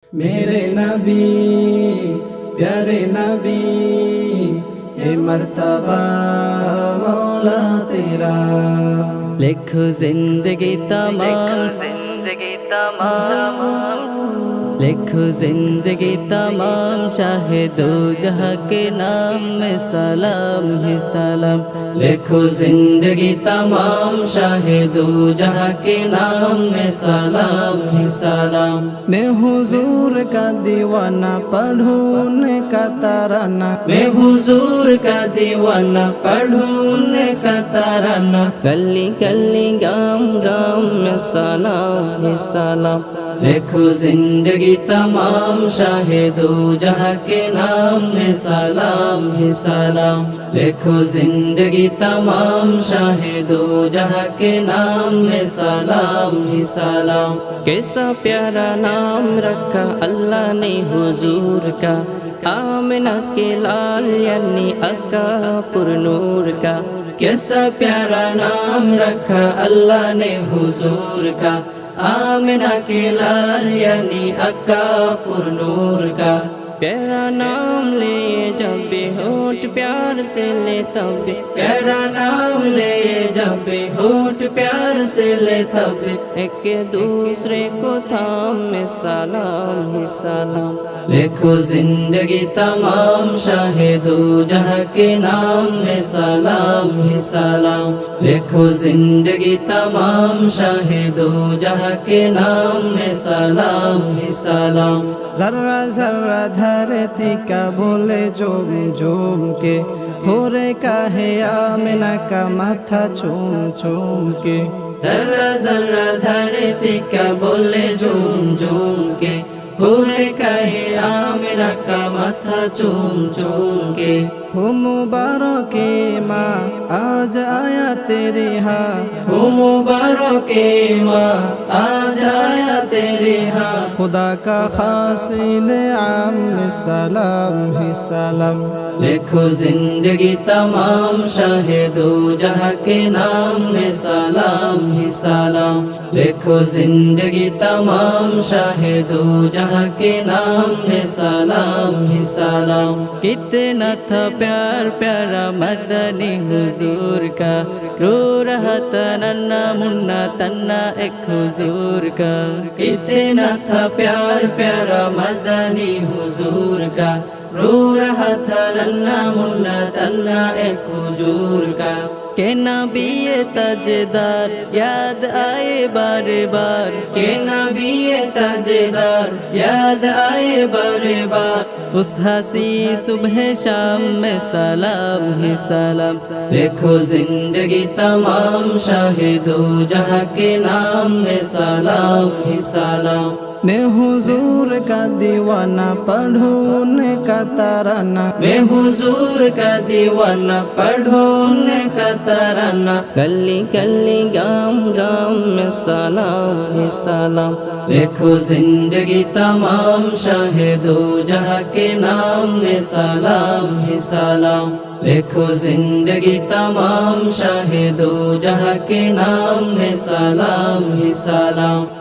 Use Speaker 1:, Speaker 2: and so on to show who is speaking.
Speaker 1: میرے نبی پیارے نبی اے مرتبہ مولا تیرا،
Speaker 2: لکھو زندگی تمام، لکھو زندگی تمام، شاہ دو جہاں کے نام میں سلام ہی سلام،
Speaker 1: لکھو زندگی تمام، شاہ دو جہاں کے نام میں سلام ہی سلام۔ میں حضور کا دیوانہ پڑھوں ان کا ترانہ، میں حضور کا دیوانہ پڑھوں ان کا ترانہ،
Speaker 2: گلی گلی گام گام میں سلام ہی سلام،
Speaker 1: لکھو زندگی تمام، شاہ دو جہاں کے نام میں سلام ہی سلام، لکھو زندگی تمام، شاہ دو جہاں کے نام میں سلام ہی سلام۔
Speaker 2: کیسا پیارا نام رکھا اللہ نے حضور کا، آمنہ کے لال یعنی آقا پر نور کا،
Speaker 1: کیسا پیارا نام رکھا اللہ نے حضور کا، آمنہ کے لال یعنی آقا پر نور کا۔
Speaker 2: پیارا نام لے جب بھی ہونٹ پیار سے لے تب بھی،
Speaker 1: پیارا نام لے جب بھی ہونٹ پیار سے لے تب بھی،
Speaker 2: ایک دوسرے کو تھام میں سلام ہی سلام،
Speaker 1: لکھو زندگی تمام، شاہ دو جہاں کے نام میں سلام ہی سلام، لکھو زندگی تمام، شاہ دو جہاں کے نام میں سلام ہی سلام۔ ذرہ ذرہ دھرتی کا بولے جھوم جھوم کے، ہو رے کا ہے آمنہ کا ماتھا چوم چوم کے، ذرہ ذرہ دھرتی کا بولے جھوم جھوم کے، ہو رے کا ہے آمنہ کا ماتھا چوم چوم کے۔ ہو مبارک ماں آج آیا تیری ہاں، ہو مبارک ماں آج آیا تیری ہاں، خدا کا خاص انعام میں سلام ہی سلام، لکھو زندگی تمام، شاہ دو جہاں کے نام میں سلام ہی سلام، لکھو زندگی تمام، شاہ دو جہاں کے نام میں سلام ہی سلام۔
Speaker 2: کتنا تھا پیار پیارا مدنی حضور کا، رو رہا تھا ننا منا تنا ایک حضور کا،
Speaker 1: کتنا تھا پیار پیارا مدنی حضور کا، رو رہا تھا ننا منا تنا ایک حضور کا۔
Speaker 2: کہ نبی تاجدار یاد آئے بار بار،
Speaker 1: کہ نبی تاجدار یاد آئے بار بار،
Speaker 2: اس ہنسی صبح شام میں سلام ہی سلام،
Speaker 1: لکھو زندگی تمام، شاہ دو جہاں کے نام میں سلام ہی سلام۔ میں حضور کا دیوانہ پڑھوں ان کا ترانہ، میں حضور کا دیوانہ پڑھوں ان کا ترانہ،
Speaker 2: گلی گلی گام گام میں سلام ہی سلام،
Speaker 1: لکھو زندگی تمام، شاہ دو جہاں کے نام میں سلام ہی سلام، لکھو زندگی تمام، شاہ دو جہاں کے نام میں سلام ہی سلام۔